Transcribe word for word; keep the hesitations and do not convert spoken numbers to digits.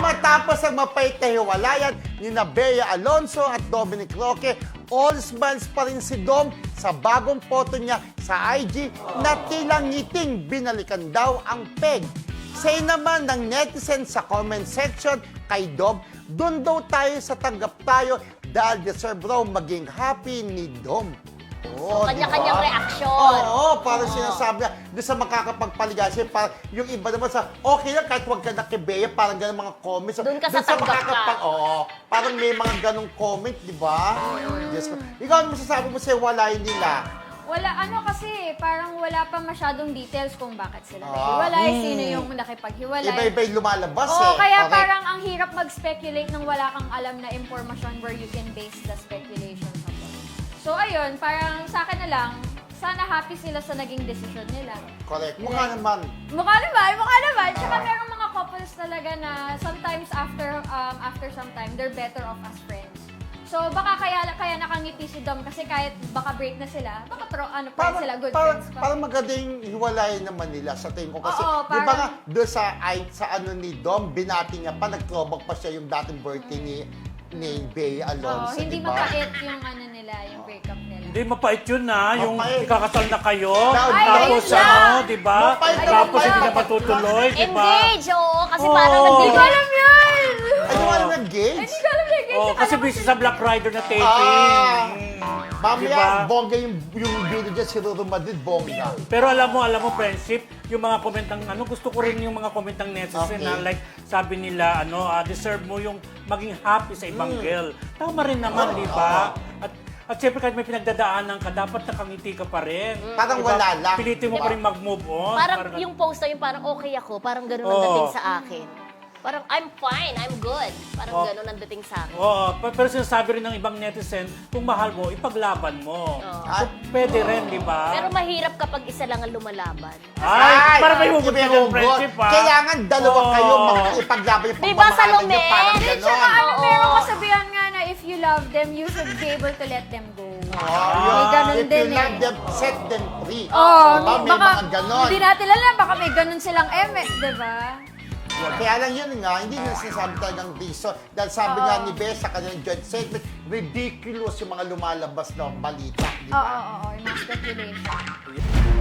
matapos ang mapait na hiwalayan ni Bea Alonso at Dominic Roque, all smiles pa rin si Dom sa bagong photo niya sa I G na tila ngiting binalikan daw ang peg. Say naman ng netizen sa comment section kay Dom, doon daw tayo sa tanggap tayo dahil deserve raw maging happy ni Dom. So, kanya-kanyang diba? reaksyon. Oo, oh, parang Oo. sinasabi niya, doon sa makakapagpaligayan siya, parang yung iba naman sa, okay lang kahit huwag ka nakibeya, parang ganun mga comments. Doon ka sa tanggap ka. Oo, parang may mga ganung comment, di ba? Yes. Ikaw, ano masasabi mo sa walayan nila? Wala, ano kasi, parang wala pa masyadong details kung bakit sila Ah. naghiwalay, Mm. sino yung nakipaghiwalay. Iba-iba yung lumalabas Oo, eh. kaya Correct. parang ang hirap mag-speculate nang wala kang alam na impormasyon where you can base the speculation upon. So, ayun, parang sa akin na lang, sana happy sila sa naging decision nila. Correct. Mukha naman. Mukha naman, mukha naman. Tsaka merong mga couples talaga na sometimes after um, after some time, they're better off as friends. So, baka kaya kaya nakangiti si Dom kasi kahit baka break na sila, baka tro, ano pa rin Parang, sila, good parang, friends pa. parang maganda yung hiwalayan naman nila sa tingin ko. Kasi, Oo, di ba parang- nga, doon sa, ay, sa ano ni Dom, binati niya pa, nag-throwback pa siya yung dating birthday ni, ni Bea Oo, Alonso, hindi di ba? mapait yung ano nila, yung breakup nila. Hindi, mapait yun na. Yung Mapait. ikakasal na kayo. Ay, tapos ayun na. ano, di ba? Mapait na Tapos mapait. hindi na matutuloy, di ba? Engage, oo. Kasi Oo. parang Hindi Hindi ko nagdi- alam yun! Ay, yung ano ng games? Hindi ko alam yung Oh, kasi busy sa Black Rider na taping. Ah, Mm. mamaya, Diba? bongga yung, yung video dyan, si Ruru Madrid, bongga. Pero alam mo, alam mo, friendship, yung mga comment ng, ano, gusto ko rin yung mga comment ng netizen Okay. na like, sabi nila, ano, ah, deserve mo yung maging happy sa ibang Mm. girl. Tama rin naman, di ba? At at syempre kahit may pinagdadaanan ka, dapat nakangiti ka pa rin. Parang Diba? wala lang. Pilitin mo Diba? pa rin mag-move on. Parang yung post na yun, parang okay ako. Parang ganun ang Oo. dating sa akin. Parang, I'm fine, I'm good. Parang Oo. ganun ang dating sa akin. Oo, pa- pero sinasabi rin ng ibang netizen, kung mahal mo, ipaglaban mo. Oo. So, pwede rin, di ba? Pero mahirap kapag isa lang ang lumalaban. Ay, para may hugot iba ng yung friendship, good. ha? Kailangan dalawa Oo. kayo makipaglaban yung Diba, pagmamahalan Salome? niyo, parang Di, ganon. Tsaka ano, Oo. meron kasabihan nga na if you love them, you should be able to let them go. Oh, May ganun if din you love eh. them, set them free. Oh, Diba? May baka, mga ganon. hindi natin alam, baka may ganun silang eme, di ba? Yeah, kaya lang yun nga, hindi na sinasabi talagang reason. Dahil sabi Oo. nga ni Bea sa kanyang joint statement, ridiculous yung mga lumalabas na balita. Di Oo, ba? oo, oo, yung mga speculation.